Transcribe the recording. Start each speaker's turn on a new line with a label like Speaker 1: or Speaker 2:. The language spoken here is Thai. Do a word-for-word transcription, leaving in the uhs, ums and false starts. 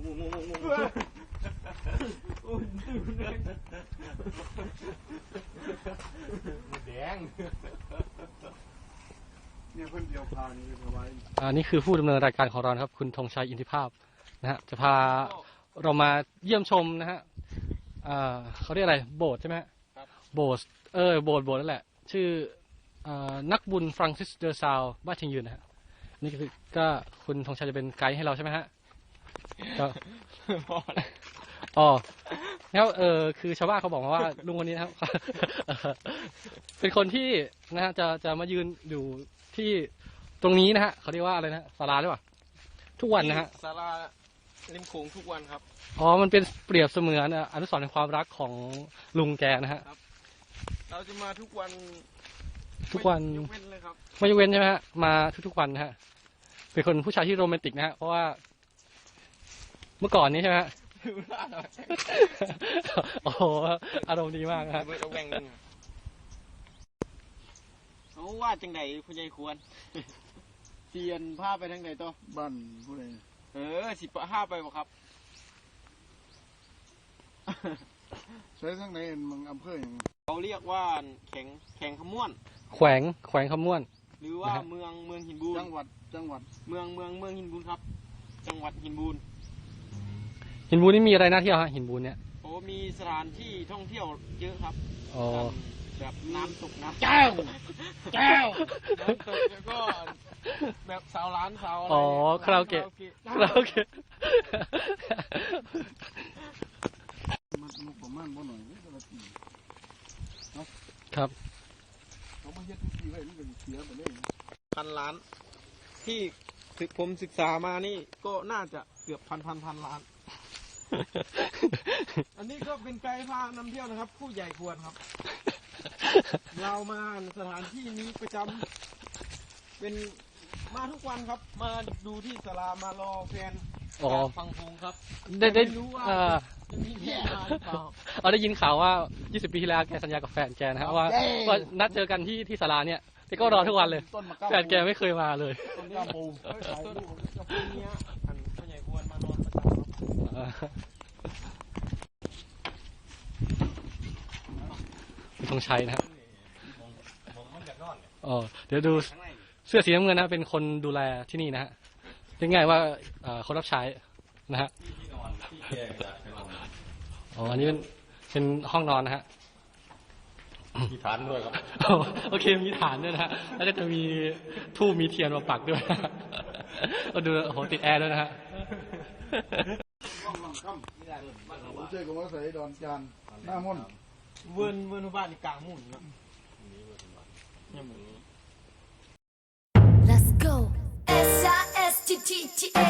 Speaker 1: งูงูงูงูโอ้ยแดงเนี่ยเพิ่นเดียวพานี่เอาไว้อ่านี่คือผู้ดำเนินรายการของเราครับคุณธงชัยอินทิภาพนะฮะจะพาเรามาเยี่ยมชมนะฮะอ่าเขาเรียกอะไรโบสถ์ใช่ไหมครับโบสถ์เออโบสถ์โบสถ์นั่นแหละชื่อนักบุญฟรังซิสเดอร์ซาวบ้านเชียงยืนนะฮะนี่คือก็คุณธงชัยจะเป็นไกด์ให้เราใช่ไหมฮะก็อ๋อแล้วเออคือชาวบ้านเขาบอกมาว่าลุงคนนี้นะครับเป็นคนที่นะฮะจะจะมายืนอยู่ที่ตรงนี้นะฮะเขาเรียกว่าอะไรนะศาลาหรือเปล่าทุกวันนะฮะ
Speaker 2: ศาลาริมโขงทุกวันครับ
Speaker 1: อ๋อมันเป็นเปรียบเสมือนอนุสรณ์แห่งความรักของลุงแกนะฮะ
Speaker 2: เราจะมาทุกวัน
Speaker 1: ทุกวัน
Speaker 2: ยกเว้นเลยครับ
Speaker 1: ไม่ยกเว้นใช่ไหมฮะมาทุกๆวันนะฮะเป็นคนผู้ชายที่โรแมนติกนะฮะเพราะว่าเมื่อก่อนนี้ใช่ไหมฮะโอ้โหอารมณ์ดีมากครับ
Speaker 2: เขาว่าจังไหนผู้ใหญ่ควรเสียนผ้าไปทางไหนตัว
Speaker 3: บ้านผู้ใด
Speaker 2: เออสิบห้าไปบ่ครับ
Speaker 3: ใช้ทางไหนมึงอำเภออย่าง
Speaker 2: เขาเรียกว่าแข่งแข่งขม้วน
Speaker 1: แขวงแขวงขม้วน
Speaker 2: หรือว่าเมืองเมืองหินบูน
Speaker 3: จังหวัดจังหวัด
Speaker 2: เมืองเมืองเมืองหินบูนครับจังหวัดหินบูน
Speaker 1: หินบูนนี่มีอะไรน่าเที่ยวฮะหินบูนเนี่ย
Speaker 2: โอ้มีสถานที่ท่องเที่ยวเยอะครับ
Speaker 1: อ๋อ
Speaker 2: แบบน้ำตกน้ำ
Speaker 1: แก้วแก้ว
Speaker 2: น้ำตกแล้วก็แบบสาวร้านสาวอะไร
Speaker 1: อ๋อคาราโอเกะคาราโอเกะ
Speaker 3: มันมุกประมาณบ่หน่อยนี่ก็ละปี
Speaker 1: ครับ
Speaker 3: เขามาเฮ็ดปีไว้นี่ก็เสียไปเลย
Speaker 2: พันล้านที่ถึงผมศึกษามานี่ก็น่าจะเกือบพันพันพันล้านอันนี้ก็เป็นไกด์พานำเที่ยวนะครับผู้ใหญ่ควรครับเรามาสถานที่นี้ประจำเป็นมาทุกวันครับมาดูที่ศาลามารอแฟนฟังพงครับ
Speaker 1: ได้ได้
Speaker 2: รู้ว่าจะมีแฟนมาหรือเปล่า
Speaker 1: เราได้ยินข่าวว่ายี่สิบปีที่แล้วแกสัญญากับแฟนแกนะฮะว่าว่านัดเจอกันที่ที่ศาลาเนี่ยแกก็รอทุกวันเลยแฟนแกไม่เคยมาเลย
Speaker 2: ต้นกระปูต้นกระปูเนี้ยอันผู้ใหญ่ควรมานอนประจำ
Speaker 1: ครับธงชัยนะครับอ๋อเดี๋ยวดูเสื้อสีน้ำเงินนะเป็นคนดูแลที่นี่นะฮะเรียกง่ายว่าคนรับใช้นะฮะอ๋ออันนี้เป็นเป็นห้องนอนนะฮะ
Speaker 2: มีฐานด้วยครับ
Speaker 1: โอเคมีฐานด้วยนะฮะแล้วก็จะมีทูบมีเทียนมาปักด้วยก็ดูโอ้โหติดแอร์ด้วยนะฮะ
Speaker 3: ผมเจอกับว่าใส่ดอนจานหน้ามุ่น
Speaker 2: เวิร์นเวิร์นบ้านกลางมุ่นครับ
Speaker 4: Let's go S I S T T T A